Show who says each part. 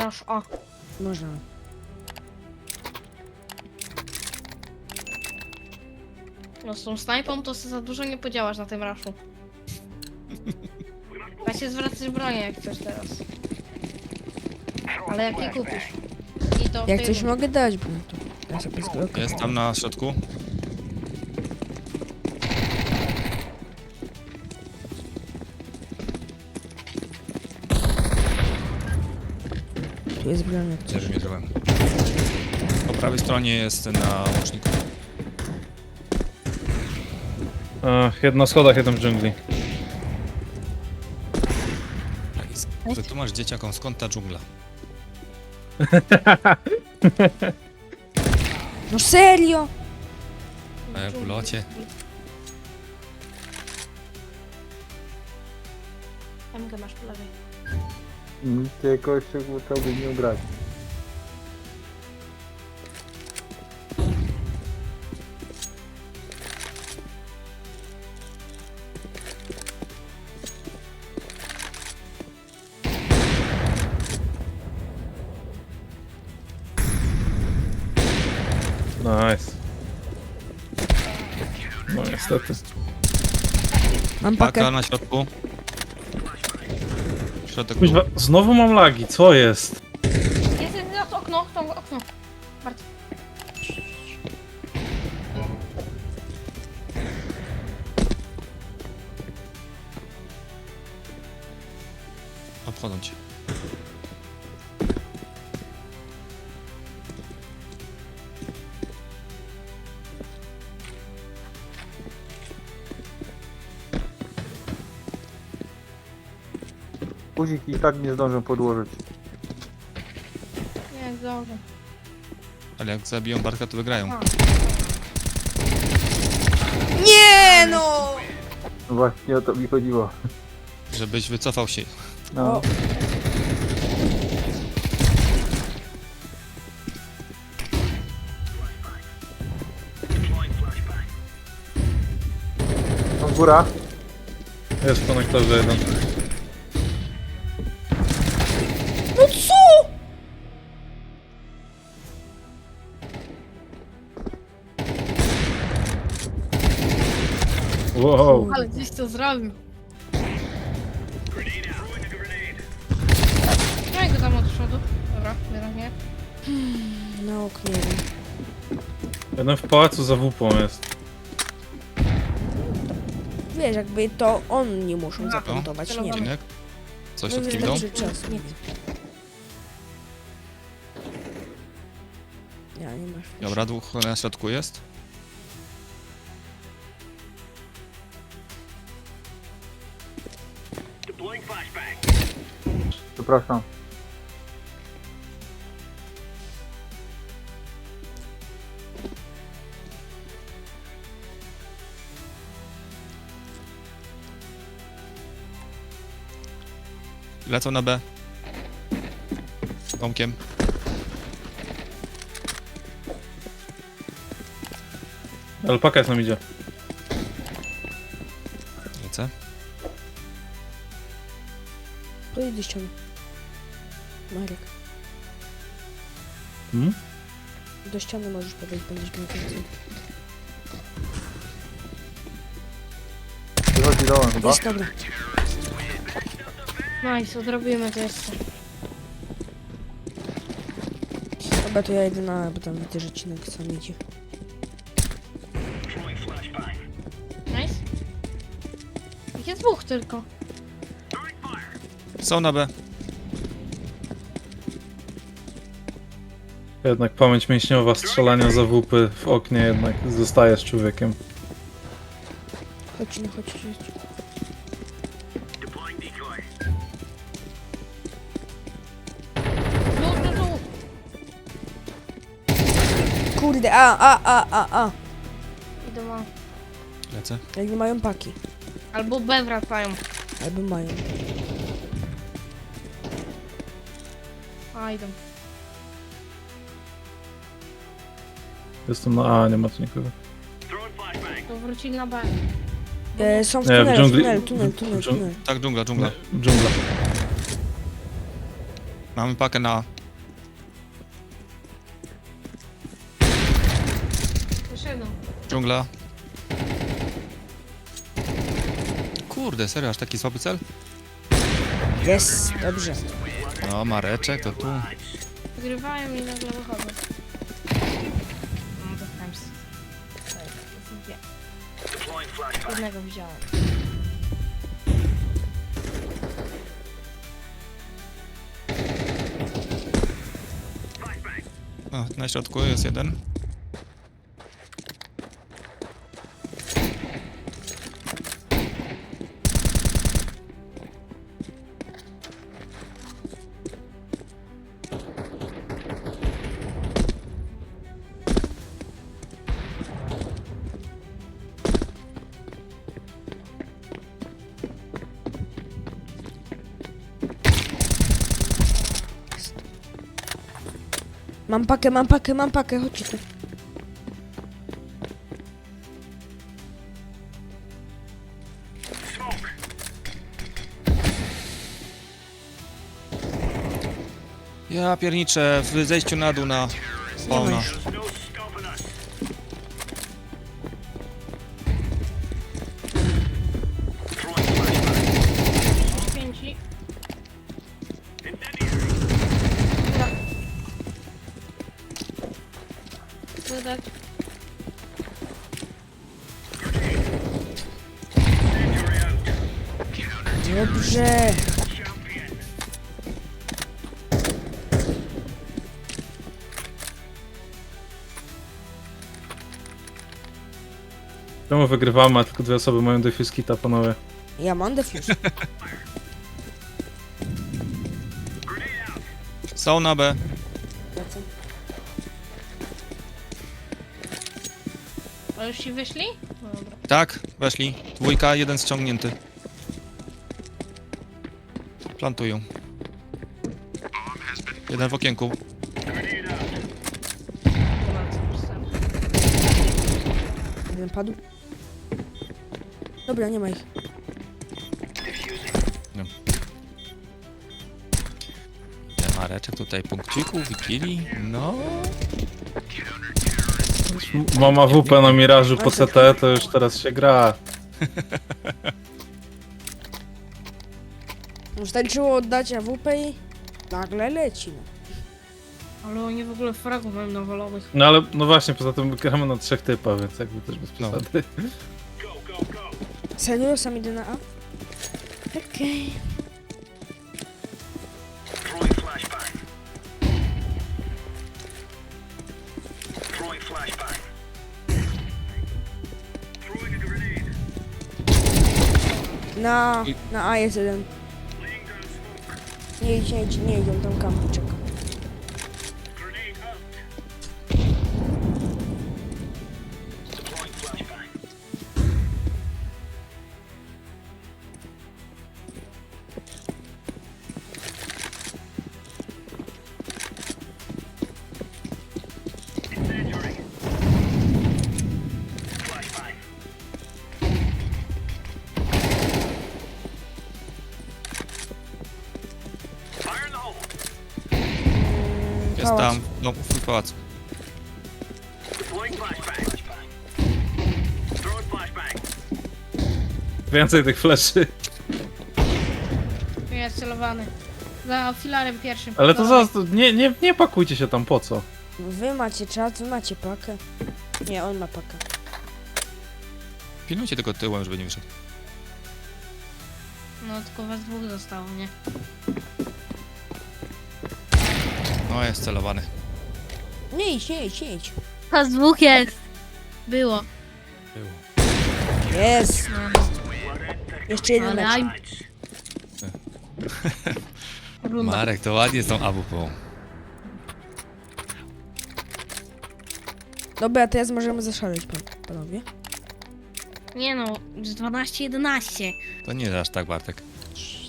Speaker 1: Rush A.
Speaker 2: Można.
Speaker 1: No z tą snajpą to za dużo nie podziałasz na tym rushu. Da się zwracać bronię jak chcesz teraz. Ale jak nie kupisz. I to w
Speaker 2: Jak
Speaker 1: tej
Speaker 2: coś
Speaker 1: rundzie.
Speaker 2: mogę dać, bo to ja sobie zblokuję.
Speaker 3: Jest tam na środku.
Speaker 2: Tu jest broń jak coś.
Speaker 3: Też mierzyłem. Po prawej stronie jest na łączniku.
Speaker 4: Jeden na schodach, jeden w dżungli.
Speaker 3: Wytłumacz dzieciakom, skąd ta dżungla?
Speaker 2: No serio?
Speaker 3: W locie.
Speaker 1: MG masz po lewej.
Speaker 5: Nic jakoś się chciałbym nie grać.
Speaker 4: Nice. No niestety.
Speaker 2: Mam
Speaker 3: Paka
Speaker 2: pakę.
Speaker 3: na środku. Środek
Speaker 4: Kuźwa,
Speaker 3: był.
Speaker 4: znowu mam lagi, co jest?
Speaker 1: Jest okno, to okno. Bardzo.
Speaker 3: Obchodzą cię.
Speaker 5: Guzik i tak nie zdążę podłożyć.
Speaker 1: Nie, zdążę.
Speaker 3: Ale jak zabiją Barka, to wygrają.
Speaker 1: A.
Speaker 2: Nie no!
Speaker 5: No właśnie o to mi chodziło.
Speaker 3: Żebyś wycofał się.
Speaker 5: No.
Speaker 2: O.
Speaker 5: Tam góra.
Speaker 4: Jest w konektorze jeden.
Speaker 2: No co?
Speaker 4: Wow.
Speaker 1: Ale gdzieś to zrobił. No i go tam od przodu. Dobra, bieram nie.
Speaker 2: Na oknie jeden.
Speaker 4: Jeden w pałacu za wupą jest.
Speaker 2: Wiesz, jakby to oni muszą
Speaker 1: No.
Speaker 2: zaplątować, nie wiem.
Speaker 3: Odcinek? Coś
Speaker 2: No
Speaker 3: od kim idą?
Speaker 2: wystarczy czas, nie wiem. Ja nie masz.
Speaker 3: Dobra, dwóch na środku jest.
Speaker 5: Przepraszam.
Speaker 3: Lecą na B. Tomkiem.
Speaker 4: Alpaka jest nam idzie.
Speaker 3: Lecę.
Speaker 2: Pojedź do ściany. Marek.
Speaker 4: Hmm?
Speaker 2: Do ściany możesz podejść, będziesz miał więcej.
Speaker 5: Wychodzi dołem chyba.
Speaker 2: Jest dobra.
Speaker 1: Nice, odrobimy to jeszcze.
Speaker 2: Dobra, to ja idę na, bo tam widzę, że Cinek sam idzie.
Speaker 1: Nice. Ich jest dwóch tylko.
Speaker 3: Są na B.
Speaker 4: Jednak pamięć mięśniowa, strzelania za wupy w oknie jednak zostajesz człowiekiem.
Speaker 2: Chodź, no chodź, chodź.
Speaker 1: Tu.
Speaker 2: Kurde, a.
Speaker 1: Idą A.
Speaker 3: Lecę.
Speaker 2: Jak nie mają paki.
Speaker 1: Albo B wracają.
Speaker 2: Albo mają.
Speaker 1: A, idą.
Speaker 4: Jestem na A, nie ma tu nikogo.
Speaker 1: To wrócili na B.
Speaker 2: Są w
Speaker 4: Nie, w
Speaker 2: tunelu,
Speaker 4: dżungli-
Speaker 2: tunel.
Speaker 3: Tak, dżungla, dżungla.
Speaker 4: Dżungla.
Speaker 3: Mamy pakę na A.
Speaker 1: pewno.
Speaker 3: Dżungla. Kurde, serio, aż taki słaby cel?
Speaker 2: Jest, dobrze.
Speaker 3: No, Mareczek to tu.
Speaker 1: Wygrywają i nagle wychodzą. No to times. Tak, dwie. Jednego wziąłem.
Speaker 3: O, na środku jest jeden.
Speaker 2: Mam pakę, chodźcie tu.
Speaker 3: Ja pierniczę w zejściu na dół na
Speaker 2: Nie ma
Speaker 3: spawna.
Speaker 2: już.
Speaker 1: Pięci. Wydać.
Speaker 2: Dobrze.
Speaker 4: Czemu wygrywamy, a tylko 2 osoby mają defuse kita, panowie?
Speaker 2: Ja mam defuse.
Speaker 3: Są na B.
Speaker 2: Lecę.
Speaker 1: A już ci wyszli? No dobra.
Speaker 3: Tak, weszli. Dwójka, jeden ściągnięty. Plantują. Jeden w okienku.
Speaker 1: Dobra, co pisałem.
Speaker 2: Jeden padł. Dobra, nie ma ich.
Speaker 3: Ten Mareczek tutaj punkcików i killi. No.
Speaker 4: Mama WP na Mirażu po CT, to już teraz się gra.
Speaker 2: Wystarczyło oddać AWP i nagle leci. No.
Speaker 1: Ale oni w ogóle fragów mają nawalonych.
Speaker 4: No ale, no właśnie, poza tym gramy na 3 typa, więc jakby też bez
Speaker 3: No.
Speaker 4: przesady.
Speaker 2: Serio, sam idę na A? Okej. Na A jest jeden. Nie idź, nie idą, tam kampi czeka.
Speaker 3: Jest
Speaker 2: Pałac.
Speaker 3: tam. No, w pałacu.
Speaker 4: Więcej tych fleszy.
Speaker 1: Jest celowany. Za filarem pierwszym.
Speaker 4: Ale to
Speaker 1: Dawaj.
Speaker 4: zaraz, nie pakujcie się tam, po co?
Speaker 2: Wy macie czas, wy macie pakę. Nie, on ma pakę.
Speaker 3: Pilnujcie tylko tyłem, żeby nie wyszedł.
Speaker 1: No tylko was dwóch zostało, nie?
Speaker 3: No, jest celowany.
Speaker 2: Nie idź.
Speaker 1: Was dwóch jest. Było.
Speaker 2: Jest.
Speaker 1: No.
Speaker 2: Jeszcze jeden
Speaker 1: Ale
Speaker 2: mecz.
Speaker 1: aj... Runda.
Speaker 3: Marek, to ładnie z tą AWP.
Speaker 2: Dobra, teraz możemy zaszaleć, panowie.
Speaker 1: Nie no, z 12-11.
Speaker 3: To nie aż tak, Bartek.